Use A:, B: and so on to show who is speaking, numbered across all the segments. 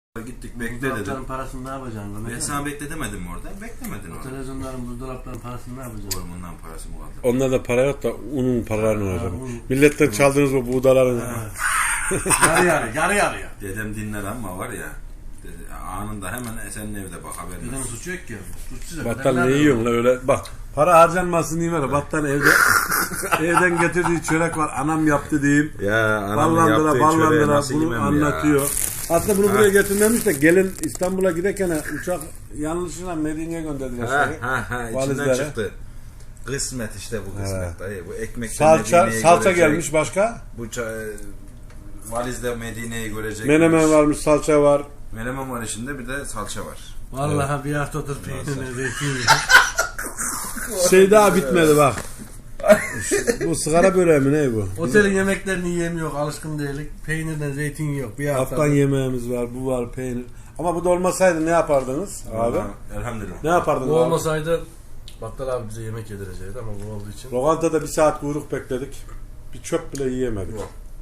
A: Gittik bekle dedim.
B: Buzdolapların parasını ne yapacaksın?
A: Ben sana bekle demedim mi orada? Beklemedin orada.
B: Televizyonların buzdolapların parasını ne yapacaksın?
A: Ormandan parası mı kaldı?
C: Onda da para yok da unun paralarını alacağım. Milletten çaldığınız o buğdaların.
B: Yarı yarıya.
A: Dedem dinler ama var ya. Dedi, anında hemen senin evde bak haberin
B: Dedemin
A: olsun.
B: suçu yok ki. Suçsuz.
C: Battal ne yiyorsun la öyle? Bak para harcanmasın diyeyim öyle. Battal evde evden getirdiği çörek var. Anam yaptı diyeyim.
A: Ya anamın yaptığı çöreği
C: ballandıra
A: nasıl
C: bunu
A: yemem
C: anlatıyor.
A: ya.
C: Aslında bunu buraya getirmemiş de gelin İstanbul'a giderken uçak yanlışıyla Medine'ye gönderdiler.
A: İçinden
C: Valizlere.
A: çıktı. Kısmet işte bu kısmet dayı. Bu ekmek
C: Salça gelmiş başka.
A: Bu valizde Medine'yi görecek.
C: Menemen varmış, salça var.
A: Menemen var içinde, bir de salça var.
B: Vallahi evet. Bir haftadır peynirle zeytin.
C: Şey daha bitmedi bak. Bu sigara böreği mi ne bu?
B: Otelin yemeklerini yiyemiyor, alışkın değilik. Peynirle zeytin yok. Bir hafta.
C: Afgan yemeğimiz var, bu var, peynir. Ama bu da olmasaydı ne yapardınız abi?
A: Elhamdülillah.
C: Ne yapardınız
B: Bu
C: abi?
B: olmasaydı Battal abi bize yemek yedirecekti ama bu olduğu için.
C: Lokantada bir saat kuyruk bekledik. Bir çöp bile yiyemedik.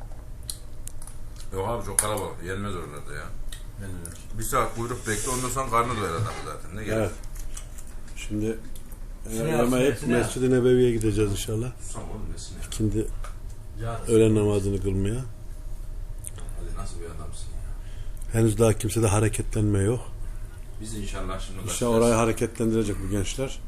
A: Yok abi çok kalabalık. Yenmez oralarda ya.
B: Yenmiyor.
A: Bir saat kuyruk bekle, ondan sonra karnı doyar adam zaten. Ne gerek?
C: Evet. Şimdi
B: Şuraya
C: yemeği
B: al, şuraya.
C: Mescid-i Nebevi'ye gideceğiz inşallah.
A: Susam oğlum nesine?
C: Şimdi
B: Yarın.
C: öğlen namazını kılmaya.
A: Hadi nasıl bir adamsın ya?
C: Henüz daha kimsede hareketlenme yok.
A: Biz inşallah şimdi
C: İnşallah orayı hareketlendirecek bu gençler.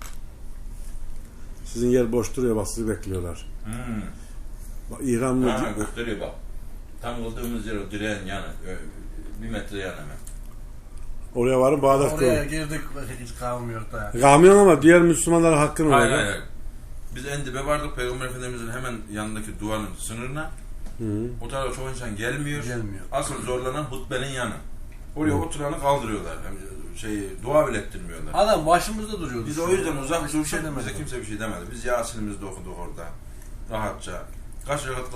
C: Sizin yer boş duruyor bak, sizi bekliyorlar. Bak, İhramlı
A: Ha, gösteriyor bak. Tam kıldığımız yer o direğin yanı. 1 metre yan hemen.
C: oraya varın Bağdat
B: Oraya
C: kılın.
B: girdik hiç kalmıyor da.
C: Kamyon ama diğer Müslümanlara hakkın
A: Hayır
C: var.
A: hayır. Biz en dibe vardık, Peygamber Efendimiz'in hemen yanındaki duvarın sınırına. O tarafa çok insan gelmiyor.
B: Gelmiyor.
A: Asıl zorlanan hutbenin yanı. Oraya oturanı kaldırıyorlar. Yani dua bile ettirmiyorlar.
B: Adam başımızda duruyordu.
A: Biz o yüzden uzak
B: Hiçbir
A: durduk.
B: şey demedi.
A: Bize kimse bir şey demedi. Biz Yasin'imizi de okuduk orada. Rahatça. Kaç rekat